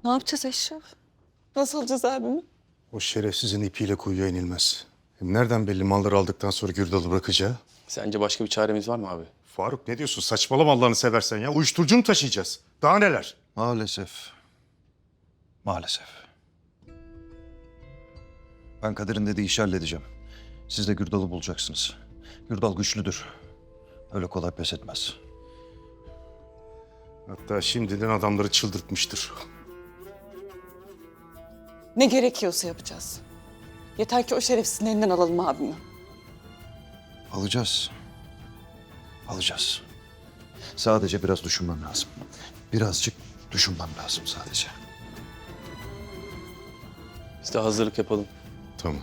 Ne yapacağız Eşref? Nasıl alacağız abimi? O şerefsizin ipiyle kuyuya inilmez. Hem nereden belli malları aldıktan sonra Gürdal'ı bırakacağı? Sence başka bir çaremiz var mı abi? Faruk ne diyorsun? Saçmalama Allah'ını seversen ya. Uyuşturucu mu taşıyacağız? Daha neler? Maalesef. Maalesef. Ben Kadir'in dediği işi halledeceğim. Siz de Gürdal'ı bulacaksınız. Gürdal güçlüdür. Öyle kolay pes etmez. Hatta şimdiden adamları çıldırtmıştır. Ne gerekiyorsa yapacağız. Yeter ki o şerefsizin elinden alalım abimi. Alacağız. Alacağız. Sadece biraz düşünmem lazım. Birazcık düşünmem lazım sadece. Biz de hazırlık yapalım. Tamam.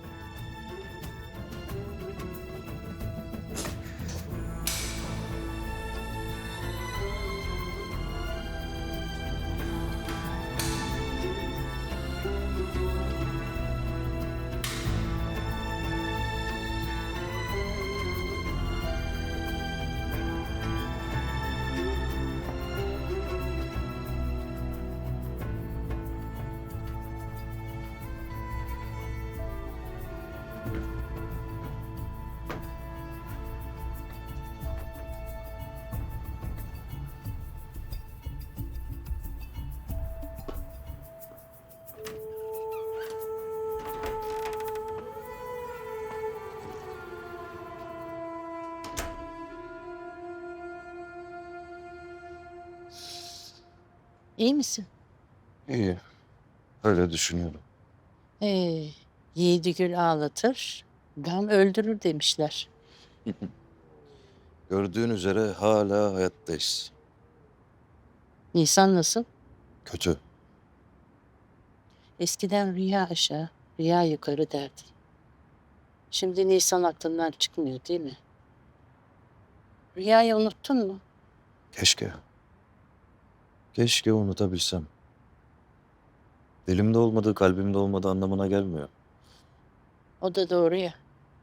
İyi misin? İyi. Öyle düşünüyorum. Ee, Yiğidi gül ağlatır, gam öldürür demişler. Gördüğün üzere hala hayattayız. Nisan nasıl? Kötü. Eskiden rüya aşağı, rüya yukarı derdi. Şimdi Nisan aklından çıkmıyor değil mi? Rüyayı unuttun mu? Keşke. Keşke unutabilsem. Dilimde olmadığı, kalbimde olmadığı anlamına gelmiyor. O da doğru ya.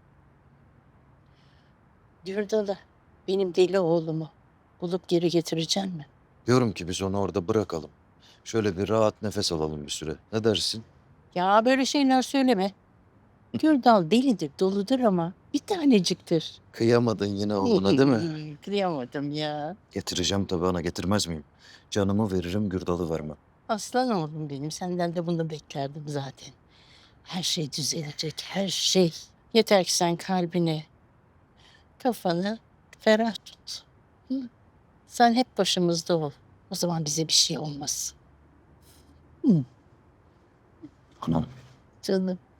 Gürdal'ı, benim deli oğlumu bulup geri getireceksin mi? Diyorum ki biz onu orada bırakalım. Şöyle bir rahat nefes alalım bir süre. Ne dersin? Ya böyle şeyler söyleme. Gürdal delidir, doludur ama bir taneciktir. Kıyamadın yine oğluna değil mi? Kıyamadım ya. Getireceğim tabii ana, getirmez miyim? Canımı veririm, Gürdal'ı vermem. Aslan oğlum benim. Senden de bunu beklerdim zaten. Her şey düzelecek, her şey. Yeter ki sen kalbini, kafanı ferah tut. Hı? Sen hep başımızda ol. O zaman bize bir şey olmaz. Anam. Canım.